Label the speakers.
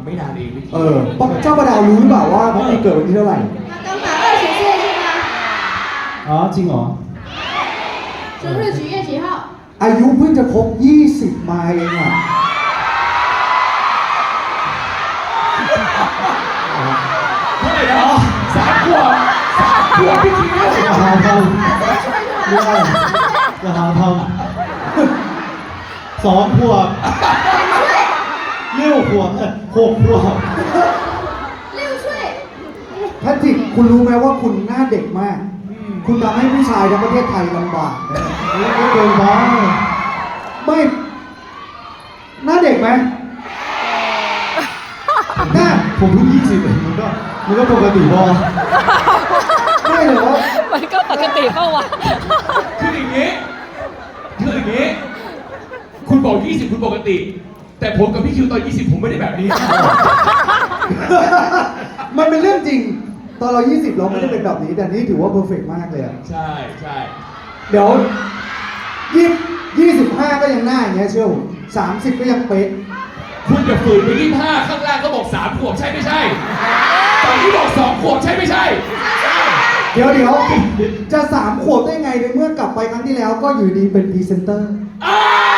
Speaker 1: ไม่นานเองพี่
Speaker 2: เจ้าประดาวรู้หรือเปล่าว่าพ่อมีเกิดวันที่เท่าไหร่
Speaker 3: 他刚满20岁是吗？
Speaker 4: อ๋อจริงเหรอ
Speaker 3: 生日几月几号？
Speaker 2: อายุเพิ่งจะครบ20มาเองอ่ะ
Speaker 1: เท่าไหร่นะ3 ขวบพี่คิว
Speaker 4: อย่าหาทำ
Speaker 3: 直接说出来。
Speaker 4: อย่าหาทำ2 ขวบ6 ขวบ6 ขวบ
Speaker 3: 6岁。
Speaker 2: แพทริกคุณรู้ไหมว่าคุณหน้าเด็กมาก คุณทำให้ผู้ชายทั้งประเทศไทยลำบากนะ
Speaker 4: ไม่เกินไป
Speaker 2: ไม่หน้าเด็กไหมหน้า
Speaker 4: ผมเพิ่ง20เองมันก็ปกติพอ
Speaker 2: ไม่เหรอ
Speaker 5: มันก็ปกติเปล่าวะ
Speaker 1: คืออย่างนี้คุณบอก20คุณปกติ แต่ผมกับพี่คิวตอน20ผมไม่ได้แบบนี้
Speaker 2: มันเป็นเรื่องจริง ตอนเรา20เราไม่ได้เป็นแบบนี้ แต่นี่ถือว่าเพอร์เฟกต์มากเลยอะ
Speaker 1: ใช่ใช่
Speaker 2: เดี๋ยว25ก็ยังหน้าอย่างเงี้ยเชื่อผม30ก็ยังเป๊ะ
Speaker 1: คุณจะฝืนไป25ข้างล่างก็บอก3 ขวบใช่ไม่ใช่ตอนที่บอก2 ขวบใช่ไม่ใช่
Speaker 2: เดี๋ยวจะ3 ขวบได้ไงในเมื่อกลับไปครั้งที่แล้วก็อยู่ดีเป็นพรีเซนเตอร์
Speaker 1: อ้าว